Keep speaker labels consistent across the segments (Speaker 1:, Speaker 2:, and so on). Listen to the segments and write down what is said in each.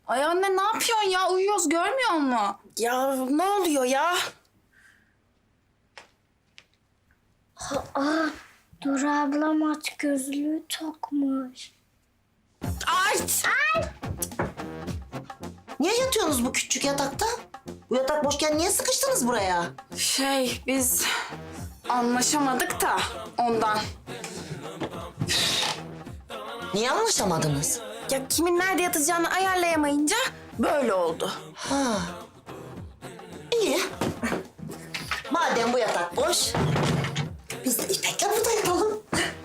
Speaker 1: Ay anne ne yapıyorsun ya? Uyuyoruz görmüyor musun?
Speaker 2: Ya ne oluyor ya?
Speaker 3: Dur ablam aç gözlüğü takmış.
Speaker 2: Ay!
Speaker 4: Niye yatıyorsunuz bu küçük yatakta? Bu yatak boşken niye sıkıştınız buraya?
Speaker 1: Biz anlaşamadık da ondan.
Speaker 4: Niye anlaşamadınız?
Speaker 2: Ya kimin nerede yatacağını ayarlayamayınca böyle oldu.
Speaker 4: Ha. İyi. Madem bu yatak boş, biz de İpek'le burada yatalım.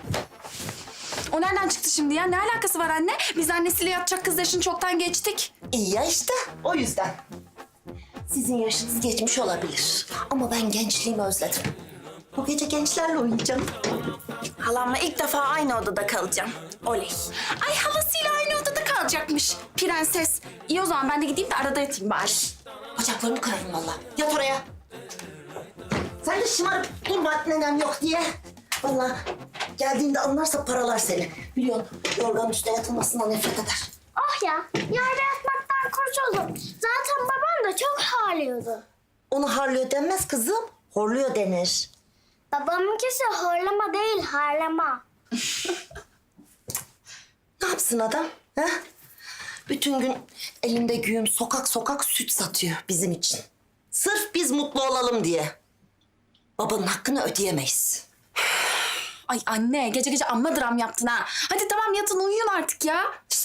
Speaker 1: O nereden çıktı şimdi ya? Ne alakası var anne? Biz annesiyle yatacak kız yaşını çoktan geçtik.
Speaker 4: İyi ya işte, o yüzden. Sizin yaşınız geçmiş olabilir. Ama ben gençliğimi özledim. Bu gece gençlerle oynayacağım.
Speaker 2: Halamla ilk defa aynı odada kalacağım. Oley.
Speaker 1: Ay halasıyla aynı odada kalacakmış. Prenses. İyi o zaman ben de gideyim de arada yatayım bari.
Speaker 4: Bacaklarını kırarım vallahi. Yat oraya. Sen de şımarıp durma nenem yok diye. Vallahi geldiğinde anlarsa paralar seni. Biliyorsun yorganın üstüne yatılmasından nefret eder.
Speaker 3: Oh ya, yerde yatmaktan kurtuldum. Zaten babam da çok ağlıyordu.
Speaker 4: Onu harlıyor denmez kızım. Horluyor denir.
Speaker 3: Babamınkisi horlama değil, harlama.
Speaker 4: Ne yapsın adam? Ha? Bütün gün elinde güğüm sokak sokak süt satıyor bizim için. Sırf biz mutlu olalım diye. Babanın hakkını ödeyemeyiz.
Speaker 1: Ay anne gece gece amma dram yaptın ha. Hadi tamam yatın uyuyun artık ya.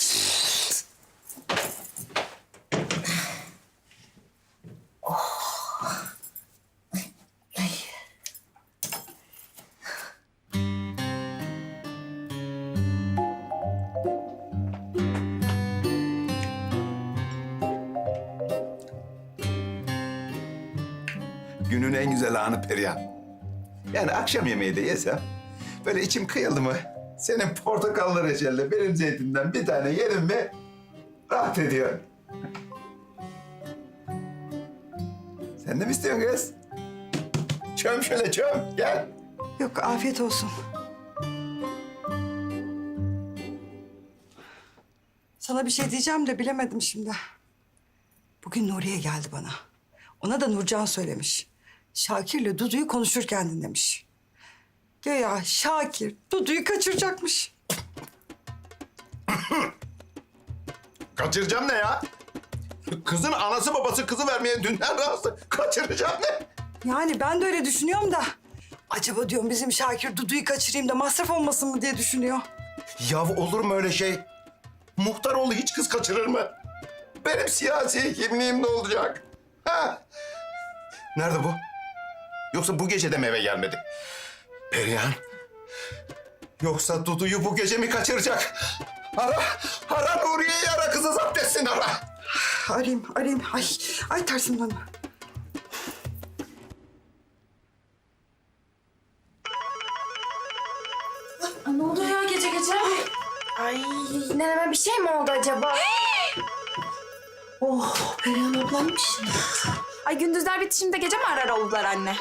Speaker 5: Günün en güzel anı Perihan. Yani akşam yemeği de yesem, böyle içim kıyıldı mı, senin portakallı reçelle benim zeytinden bir tane yerim mi, rahat ediyor. Sen de mi istiyorsun kız? Çöm şöyle çöm, gel.
Speaker 6: Yok, afiyet olsun. Sana bir şey diyeceğim de bilemedim şimdi. Bugün Nuriye geldi bana. Ona da Nurcan söylemiş. Şakir'le Dudu'yu konuşurken dinlemiş. Güya Şakir Dudu'yu kaçıracakmış.
Speaker 5: Kaçıracağım ne ya? Kızın anası babası kızı vermeye dünden razı. Kaçıracağım ne?
Speaker 6: Yani ben de öyle düşünüyorum da... Acaba diyorum bizim Şakir Dudu'yu kaçırayım da masraf olmasın mı diye düşünüyor.
Speaker 5: Ya olur mu öyle şey? Muhtaroğlu hiç kız kaçırır mı? Benim siyasi kimliğim ne olacak? Ha? Nerede bu? Yoksa bu gece de mi eve gelmedi? Perihan. Yoksa Dudu'yu bu gece mi kaçıracak? Ara Nuriye'yi ara, kızı zapt etsin ara.
Speaker 6: Arayayım. Ay tersim döndü.
Speaker 1: Ne oluyor ya gece gece?
Speaker 2: Ay neneme bir şey mi oldu acaba?
Speaker 4: Oh, Perihan ablaymış.
Speaker 1: Ay gündüzler bitişinde gece mi arar oldular anne?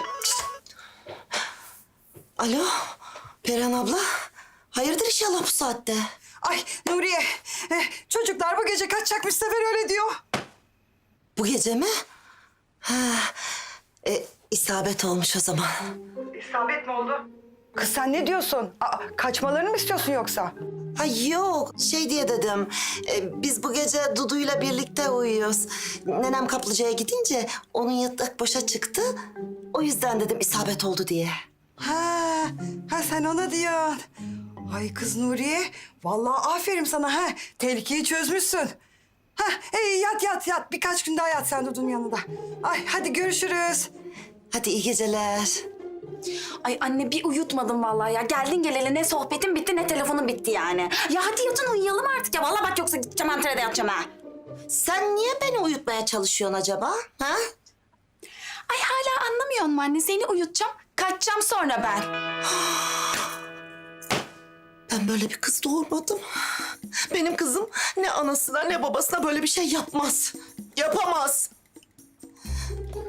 Speaker 4: Alo, Perihan abla. Hayırdır inşallah bu saatte?
Speaker 6: Ay Nuriye, çocuklar bu gece kaçacakmış, Sefer öyle diyor.
Speaker 4: Bu gece mi? Ha, isabet olmuş o zaman.
Speaker 6: İsabet mi oldu? Kız sen ne diyorsun? Kaçmalarını mı istiyorsun yoksa?
Speaker 4: Ay yok, şey diye dedim. Biz bu gece Dudu'yla birlikte uyuyoruz. Nenem kaplıcaya gidince onun yatak boşa çıktı. O yüzden dedim isabet oldu diye.
Speaker 6: Ha sen ona diyorsun. Ay kız Nuriye, vallahi aferin sana ha. Tehlikeyi çözmüşsün. Ha, yat. Birkaç gün daha yat sen Dudu'nun yanında. Ay hadi görüşürüz.
Speaker 4: Hadi iyi geceler.
Speaker 1: Ay anne bir uyutmadım vallahi ya. Geldin geleli ne sohbetin bitti ne telefonun bitti yani. Ya hadi yatın uyuyalım artık ya. Vallahi bak yoksa gideceğim Antalya'da yatacağım ha.
Speaker 4: Sen niye beni uyutmaya çalışıyorsun acaba? Ha?
Speaker 1: Ay hala anlamıyor musun anne? Seni uyutacağım. Kaçacağım sonra ben.
Speaker 4: Ben böyle bir kız doğurmadım. Benim kızım ne anasına ne babasına böyle bir şey yapmaz. Yapamaz.